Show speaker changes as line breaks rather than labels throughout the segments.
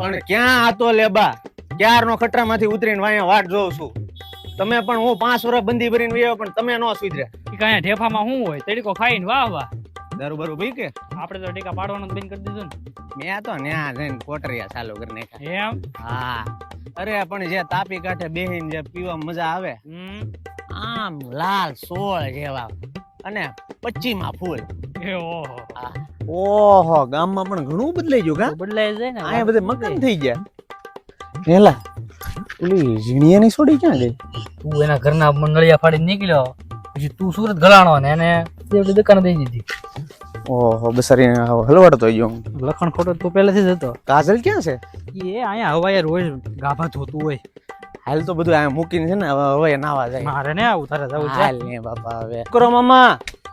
પણ ક્યાં આતો લેબા ક્યારનો ખટરામાંથી ઉતરીને વાયા વાટ જોઉં છું. તમે પણ હું 5 વર્ષ બંધી ભરીને વયો પણ તમે નો સુધર્યા.
કયા ઢેફામાં શું હોય તડીકો ખાઈને વાહ વાહ.
દારૂ બારૂ પી કે
આપણે તો ટીકા પાડવાનું જ બંધ કરી દીધું
મેં તો ન્યા જઈને કોટરિયા ચાલુ કરી નાખ્યા.
ને એમ.
હા અરે પણ જે તાપી કાંઠે બેહીને જે પીવા મજા આવે આમ લાલ સોળ જેવા અને 25 માં ફૂલ.
એ ઓહો.
ઓહો ગામમાં પણ ઘણું બદલાઈ ગયું કા.
બદલાઈ જાય ને
આ બધે મકાન થઈ ગયા. હેલા ઓલી ઝીણીયાની છોડી ક્યાં ગઈ?
તું એના ઘરના નળિયા ફાડીને નીકળ્યો પછી તું સુરત ગલાણો ને એને તેવડી દુકાન દઈ દીધી.
ઓહો બસારી હલવાડતો ગયો.
લખણ ખોટો તું પહેલેથી જ હતો.
કાજલ ક્યાં છે?
એ અહીંયા હવાએ રોજ ગાભા ધોતું હોય.
હાલ તો બધું આ મૂકીને છે ને હવે નાવા જાય.
મારે ને આવું તારે જવું છે.
હાલ ને બાપા હવે કરો મામા.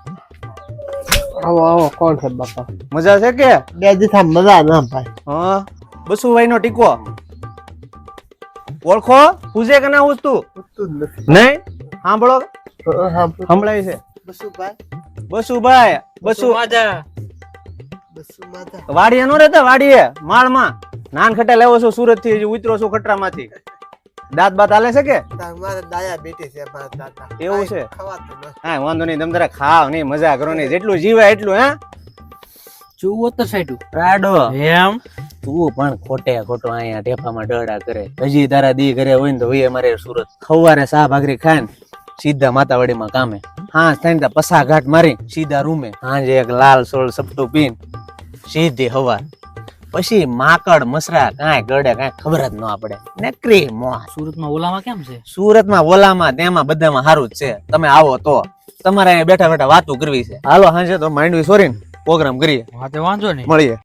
આવો આવો કોણ છે બાપા?
મજા છે કે?
બે દિવસ મજા ના ભાઈ.
હા બસુભાઈ નો ટીકો ઓળખો પૂજે કે ના પૂછતું?
પૂછતું જ નથી.
નહીં સાંભળો
હા
સંભળાય છે.
બસુભાઈ
બસુભાઈ બસુ
માજા
બસુ માતા
વાડીએ નો રહેતા વાડીએ માળમાં નાન ખટા લેવો છો સુરત થી ઉતરો છો ખટરામાંથી. દાંત બાત હાલે છે કે?
મારા દાયા બેટી છે મારા દાદા.
એવું છે?
ખવાતું નથી.
હા વાંધો નહીં તમે જરા ખાવ નહીં મજા કરો નહીં જેટલું જીવાય એટલું. હે
74 સાઈડ
રાડો
એમ.
તું પણ ખોટે ખોટો અહીંયા ઢેફામાં ડડા કરે. હજી તારા દી ઘરે હોય ને તો હોય અમારે સુરત. ખવારે સા ભાખરી ખાય ને સીધા માતાવાડીમાં કામે. હા થઈને પસા ઘાટ મારી સીધા રૂમે. હાજે એક લાલ સોળ સપટું પીન સીધી હવા. પછી માકડ મસરા કાંઈ ગળે કાંઈ ખબર જ ન પડે. નકરી મોહ.
સુરતમાં ઓલામાં કેમ છે?
સુરતમાં ઓલામાં તેમાં બધામાં સારું જ છે. તમે આવો તો તમારે અહીંયા બેઠા બેઠા વાતો કરવી છે. હાલો હાજે તો માંડવી સોરીને પ્રોગ્રામ કરીએ.
હા તે વાંધો નહીં.
મળીએ.